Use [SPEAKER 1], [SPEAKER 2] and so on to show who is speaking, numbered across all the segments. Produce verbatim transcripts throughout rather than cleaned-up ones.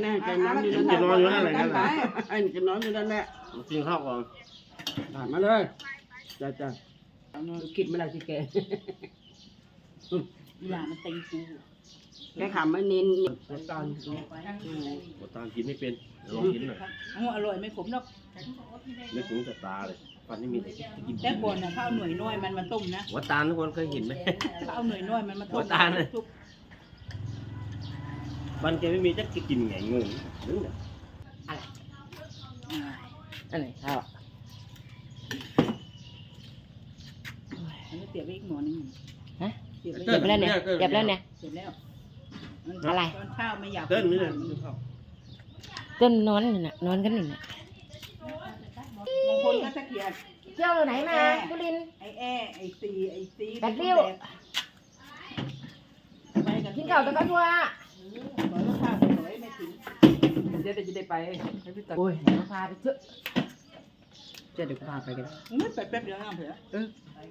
[SPEAKER 1] แน่แกนอนอยู่นั่นแหละนอนอยู่นั่นแหละไอ้แกนอนอยู่นั่นแหละกินข้าวก่อนผ่านมาเลยจ้าจ้าคิดไม่ได้ที่แก
[SPEAKER 2] หลานมันตีกู
[SPEAKER 1] แกขำไม่นินตอน
[SPEAKER 3] ตอนกินไม่เป็นลองกินหน่อย
[SPEAKER 2] อร่อยไม่ขมหรอก
[SPEAKER 3] ไม่ขมแต่ตาเลยฟันนี่มีแต่กิน
[SPEAKER 2] แต่บนน่ะเขาเอาหน่วยน้อยมันมาต้มนะ
[SPEAKER 3] หัวตาลทุกคนเคยเห็นไหม
[SPEAKER 2] เขาเอาหน่วยน้อยมันมาต้ม
[SPEAKER 3] หัวตาลเลยฟันแกไม่มีจะกินไงงงนึกเนี่ย
[SPEAKER 1] อะไรอะไรข้าว
[SPEAKER 2] มันเสียบไปอีกหมอนึง
[SPEAKER 1] ฮะเก็บแล้วเนี่ยเก็บแล้วเนี่ย
[SPEAKER 2] เสร็จแล้ว
[SPEAKER 1] อะไร
[SPEAKER 2] ตอนข้าวไม่อยาก
[SPEAKER 3] เต้นนี่เลย
[SPEAKER 1] ต้นนอนน่ะนอนกันอยู่น่ะ
[SPEAKER 2] บางคนก็ตะเกียบ
[SPEAKER 1] เที่ยวไหนมากุลิน
[SPEAKER 2] ไอ้แอ้ไอ้ซีไอ้ซี
[SPEAKER 1] แปดริ้วกินข้าวตะกันว่า
[SPEAKER 2] บอกว่าข้าวสวยไม่ถึง
[SPEAKER 1] เดี๋ยวจะได้ไปให้พี่ตัดโอ้ยมาพาไปเถอะจะเดี๋ยวพาไปกัน
[SPEAKER 2] ไม่ไปแป๊บเดียวห้ามเถอะ
[SPEAKER 1] เออ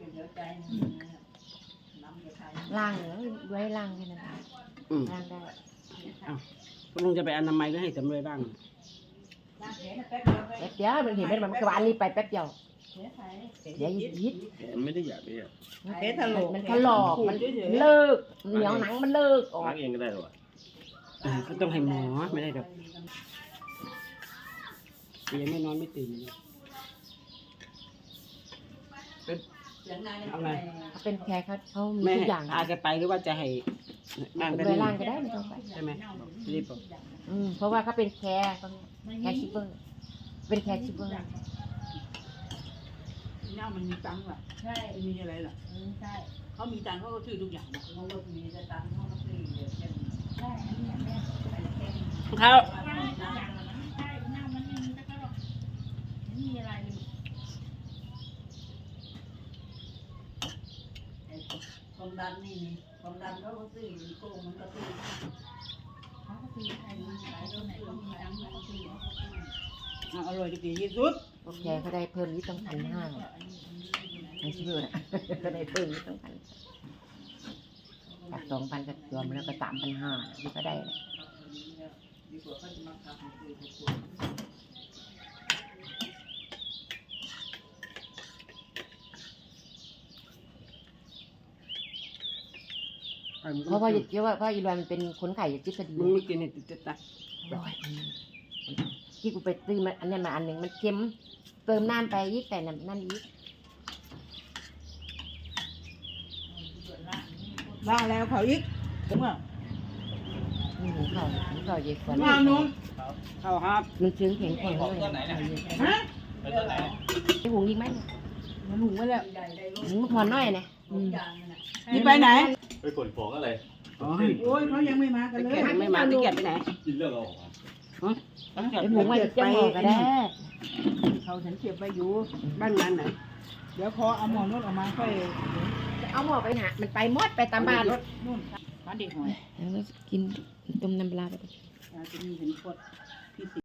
[SPEAKER 1] ล่างเหรอด้วยล่างแค่นั้นล่างได้อ้าวลุงจะไปอนามัยก็ให้จำเลยบ้างแป๊บเดียวมันเห็นเป็นมันกวานนี่ไปแป๊บเดียวเดี๋ยวยิด
[SPEAKER 3] มันไม่ได้อยากเลยอ่ะ
[SPEAKER 2] เทถลอก
[SPEAKER 1] มันถลอกมันเลิกเหนียวหนังมันเลิกออก
[SPEAKER 3] ล้างเองก็ได้หรอ
[SPEAKER 1] ก็ต้องให้หมอไม่ได้ดอกยังไม่นอนไม่ตื่นเป็นอะไรเขาเป็นแค่เขาเขามีทุกอย่างพาแกไปหรือว่าจะให้บ้างไปล่างก็ได้ไม่ต้องไปใช่ไหมรีบบอกอืมเพราะว่าเขาเป็นแคร์แคร์ชิปเปอร์เป็นแคร์ชิปเปอร์
[SPEAKER 2] เนี่ยมันมีตังค์ล่ะใช่มีอะไรล่ะใช่เขามีตังค์เขาก็ซื้อทุกอย่างเขาก็มีแต่ตังค์เขาก็ซื้อเยอะแยะใช่
[SPEAKER 1] เขา
[SPEAKER 2] ความดันนี่ความดันเขาก็ซื้อโกงมันก็ซื้อเขาก็ซื้อไอ้นี่หลายโรคไหนก็มีตังค์เขาก็ซื้ออร่อยดีที่สุด
[SPEAKER 1] โอเคเขาได้เพิ่มนิดต้องพันห้าไม่ใช่เพื่อนก็ได้เพิ่มนิดต้องพันจากสองพันกับรวมแล้วก็สามพันห้าที่ก็ได้เพราะว่าเยอะว่าเพราะอีรวยมันเป็นคนไข่จิตคดีมึงไม่กินเนี่ยติดตาที่กูไปซื้อมาอันนี้มาอันหนึ่งมันเค็มเติมน้ำไปยิ่งแต่น้ำนั่นยิ่ง
[SPEAKER 2] ว่าแล้วเขาอีกถึงว่า
[SPEAKER 1] นี่หมูเขาหมูเขาเยอะกว่า
[SPEAKER 2] ว่านุ่ม
[SPEAKER 1] เขาครับมันชื้นแข็งแข็งเลยฮะไอหุงยิงไหม
[SPEAKER 2] มันหุงไว้แล้ว
[SPEAKER 1] หุงพอน้อยนะ
[SPEAKER 2] นี่ไปไหน
[SPEAKER 3] ไปขนของอะไร
[SPEAKER 2] โอ้ยเขายังไม่มากันเลย
[SPEAKER 1] ไม่มาตะเกียบไปไหน
[SPEAKER 3] กินเรื่องเรา
[SPEAKER 1] ไอหุงไม่จะหมอก็ได้
[SPEAKER 2] เขาฉันเก็บไปอยู่บ้านงานไหนเดี๋ยวพอเอาหมอนวดออกมาค่อย
[SPEAKER 1] เอาหมอไปหามันไปมดไปตามบ้าน
[SPEAKER 2] นู่นบ้านเด็กหอย
[SPEAKER 1] แล้วก็กินต้มน้ำปลาไป
[SPEAKER 2] จะมีเห็นขวด